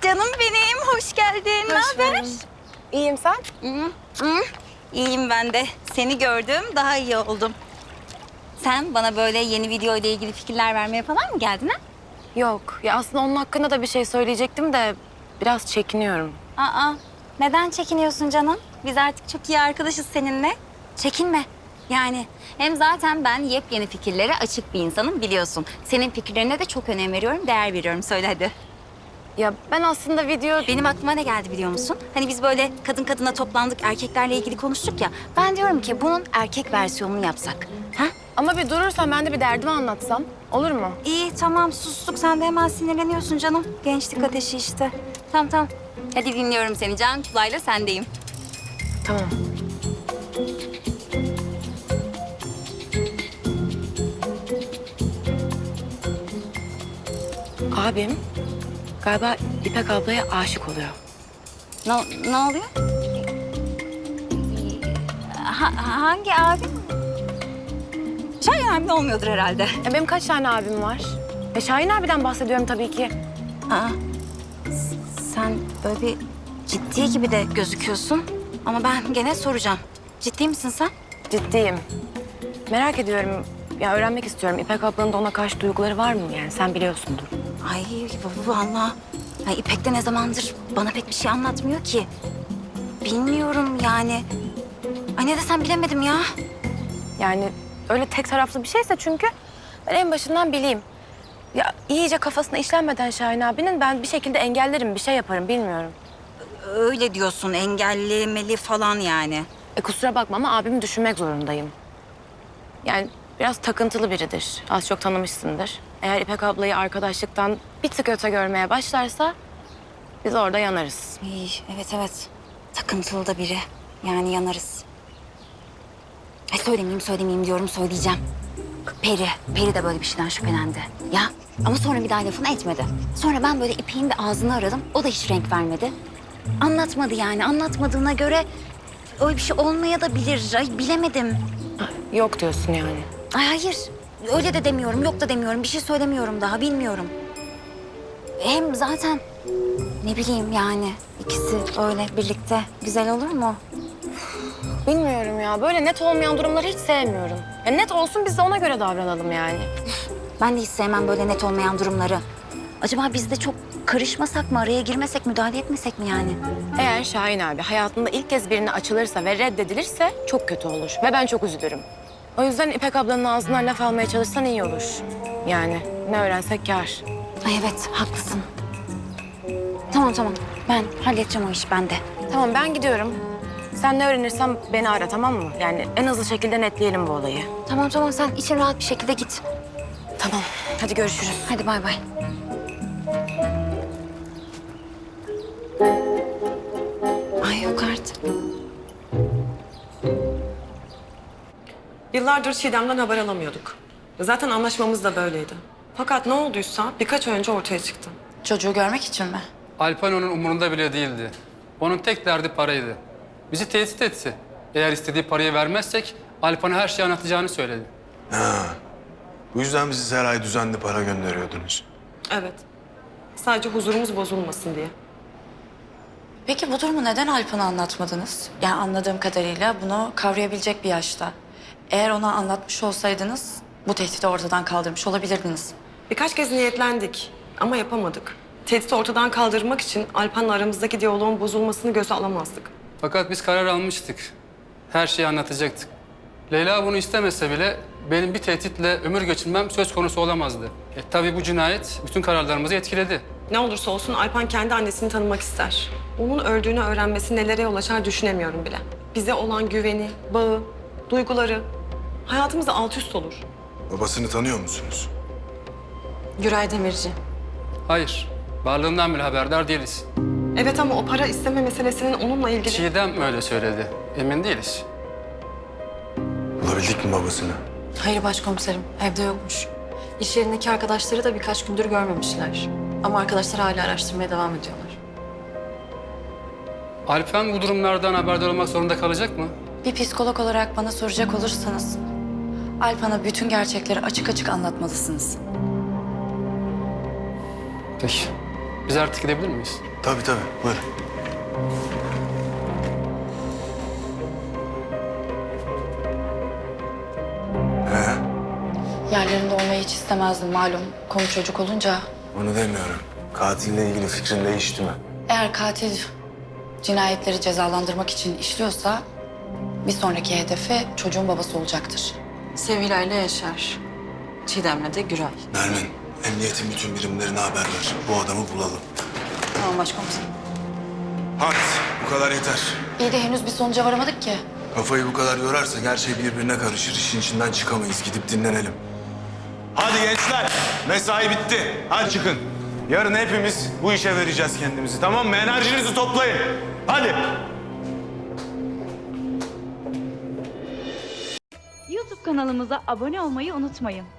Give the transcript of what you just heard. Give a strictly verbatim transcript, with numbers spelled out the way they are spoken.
Canım benim, hoş geldin. Ne Hoş haber? buldum. İyiyim, sen? Hı, hı. İyiyim ben de. Seni gördüm, daha iyi oldum. Sen bana böyle yeni video ile ilgili fikirler vermeye falan mı geldin ha? Yok. Ya aslında onun hakkında da bir şey söyleyecektim de biraz çekiniyorum. Aa, neden çekiniyorsun canım? Biz artık çok iyi arkadaşız seninle. Çekinme. Yani hem zaten ben yepyeni fikirlere açık bir insanım biliyorsun. Senin fikirlerine de çok önem veriyorum, değer veriyorum. Söyle hadi. Ya ben aslında video... Benim aklıma ne geldi biliyor musun? Hani biz böyle kadın kadına toplandık, erkeklerle ilgili konuştuk ya. Ben diyorum ki bunun erkek versiyonunu yapsak. Ha? Ama bir durursan ben de bir derdimi anlatsam. Olur mu? İyi tamam sustuk. Sen de hemen sinirleniyorsun canım. Gençlik ateşi işte. Tamam tamam. Hadi dinliyorum seni. Can kulağıyla sendeyim. Tamam. Abim galiba İpek ablaya aşık oluyor. Ne, ne oluyor? Ha, hangi abim? Şahin abim olmuyordur herhalde. Ya benim kaç tane abim var? E Şahin abiden bahsediyorum tabii ki. Aa, s- sen böyle bir ciddi gibi de gözüküyorsun. Ama ben gene soracağım. Ciddi misin sen? Ciddiyim. Merak ediyorum. Ya öğrenmek istiyorum. İpek ablanın da ona karşı duyguları var mı yani? Sen biliyorsundur. Ay vallahi. Ay İpek de ne zamandır bana pek bir şey anlatmıyor ki. Bilmiyorum yani. Ay ne desem bilemedim ya. Yani öyle tek taraflı bir şeyse çünkü ben en başından bileyim. Ya iyice kafasına işlenmeden Şahin abinin ben bir şekilde engellerim, bir şey yaparım bilmiyorum. Öyle diyorsun engellemeli falan yani. E kusura bakma ama abimi düşünmek zorundayım. Yani biraz takıntılı biridir. Az çok tanımışsındır. Eğer İpek ablayı arkadaşlıktan bir tık öte görmeye başlarsa biz orada yanarız. İyi, evet evet. Takıntılı da biri. Yani yanarız. Ay söylemeyeyim söylemeyeyim diyorum söyleyeceğim. Peri, Peri de böyle bir şeyden şüphelendi. Ya ama sonra bir daha lafını etmedi. Sonra ben böyle İpek'in de ağzını aradım. O da hiç renk vermedi. Anlatmadı yani. Anlatmadığına göre öyle bir şey olmaya da bilir. Ay bilemedim. Yok diyorsun yani. Ay hayır. Öyle de demiyorum. Yok da demiyorum. Bir şey söylemiyorum daha. Bilmiyorum. Hem zaten ne bileyim yani ikisi öyle birlikte güzel olur mu? Bilmiyorum ya. Böyle net olmayan durumları hiç sevmiyorum. Ya net olsun biz de ona göre davranalım yani. Ben de hiç sevmem böyle net olmayan durumları. Acaba biz de çok karışmasak mı, araya girmesek, müdahale etmesek mi yani? Eğer Şahin abi hayatında ilk kez birine açılırsa ve reddedilirse çok kötü olur. Ve ben çok üzülürüm. O yüzden İpek ablanın ağzından laf almaya çalışsan iyi olur. Yani ne öğrensek kâr. Ay evet, haklısın. Tamam tamam, ben halledeceğim o işi ben de. Tamam ben gidiyorum. Sen ne öğrenirsen beni ara tamam mı? Yani en hızlı şekilde netleyelim bu olayı. Tamam tamam, sen için rahat bir şekilde git. Tamam hadi görüşürüz. Hadi bay bay. Ay yok artık. Yıllardır Çiğdem'den haber alamıyorduk. Zaten anlaşmamız da böyleydi. Fakat ne olduysa birkaç ay önce ortaya çıktı. Çocuğu görmek için mi? Alpan onun umurunda bile değildi. Onun tek derdi paraydı. Bizi tehdit etti. Eğer istediği parayı vermezsek Alpan'a her şeyi anlatacağını söyledi. Bu yüzden bizi her ay düzenli para gönderiyordunuz. Evet. Sadece huzurumuz bozulmasın diye. Peki bu durumu neden Alpan'a anlatmadınız? Yani anladığım kadarıyla bunu kavrayabilecek bir yaşta. Eğer ona anlatmış olsaydınız bu tehdidi ortadan kaldırmış olabilirdiniz. Birkaç kez niyetlendik ama yapamadık. Tehdidi ortadan kaldırmak için Alpan'la aramızdaki diyaloğun bozulmasını göze alamazdık. Fakat biz karar almıştık. Her şeyi anlatacaktık. Leyla bunu istemese bile benim bir tehditle ömür geçirmem söz konusu olamazdı. E tabii bu cinayet bütün kararlarımızı etkiledi. Ne olursa olsun Alpan kendi annesini tanımak ister. Onun öldüğünü öğrenmesi nelere yol açar düşünemiyorum bile. Bize olan güveni, bağı, duyguları hayatımızda alt üst olur. Babasını tanıyor musunuz? Güray Demirci. Hayır, varlığından bile haberdar değiliz. Evet ama o para isteme meselesinin onunla ilgili... Çiğdem öyle söyledi. Emin değiliz. Bulabildik mi babasını? Hayır başkomiserim, evde yokmuş. İş yerindeki arkadaşları da birkaç gündür görmemişler. Ama arkadaşlar hala araştırmaya devam ediyorlar. Alpan bu durumlardan haberdar olmak zorunda kalacak mı? Bir psikolog olarak bana soracak olursanız... Alpan'a bütün gerçekleri açık açık anlatmalısınız. Peki. Biz artık gidebilir miyiz? Tabii tabii, buyurun. Ee, Yerlerinde olmayı hiç istemezdim malum. Konu çocuk olunca. onu demiyorum. Katille ilgili fikrin değişti mi? Eğer katil cinayetleri cezalandırmak için işliyorsa bir sonraki hedefi çocuğun babası olacaktır. Sevilla ile Yaşar. Çiğdem'le de Güray. Nermin, emniyetin bütün birimlerine haber ver. Bu adamı bulalım. Tamam başkomiserim. Hadi, bu kadar yeter. İyi de henüz bir sonuca varamadık ki. Kafayı bu kadar yorarsak her şey birbirine karışır. İşin içinden çıkamayız. Gidip dinlenelim. Hadi gençler, mesai bitti. Hadi çıkın. Yarın hepimiz bu işe vereceğiz kendimizi, tamam mı? Enerjinizi toplayın. Hadi. YouTube kanalımıza abone olmayı unutmayın.